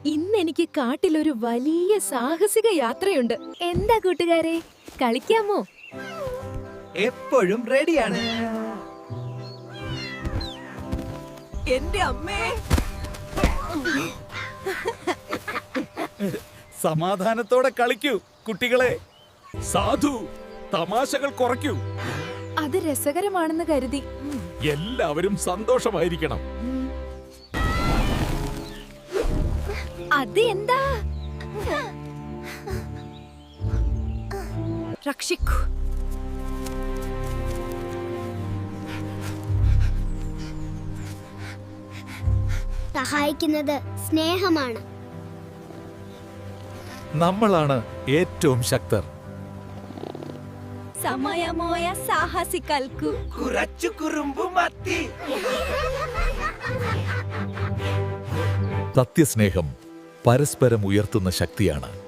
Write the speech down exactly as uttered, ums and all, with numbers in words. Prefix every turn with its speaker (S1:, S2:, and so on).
S1: ഇന്ന് എനിക്ക് കാട്ടിലൊരു വലിയ സാഹസിക യാത്രയുണ്ട്. എന്താ കൂട്ടുകാരെ, കളിക്കാമോ?
S2: എപ്പോഴും റെഡിയാണ്.
S1: എന്റെ അമ്മേ,
S3: സമാധാനത്തോടെ കളിക്കൂ കുട്ടികളെ. സാധു, തമാശകൾ കുറയ്ക്കൂ.
S1: അത് രസകരമാണെന്ന് കരുതി.
S3: എല്ലാവരും സന്തോഷമായിരിക്കണം.
S1: അത് എന്താ? രക്ഷിക്കൂ.
S4: സഹായിക്കുന്നത് സ്നേഹമാണ്.
S3: നമ്മളാണ് ഏറ്റവും ശക്തർ.
S1: സമയമോയ സാഹസികൾക്കു
S2: കുറച്ചു കുറുമ്പു മത്തി.
S3: സത്യസ്നേഹം പരസ്പരം ഉയർത്തുന്ന ശക്തിയാണ്.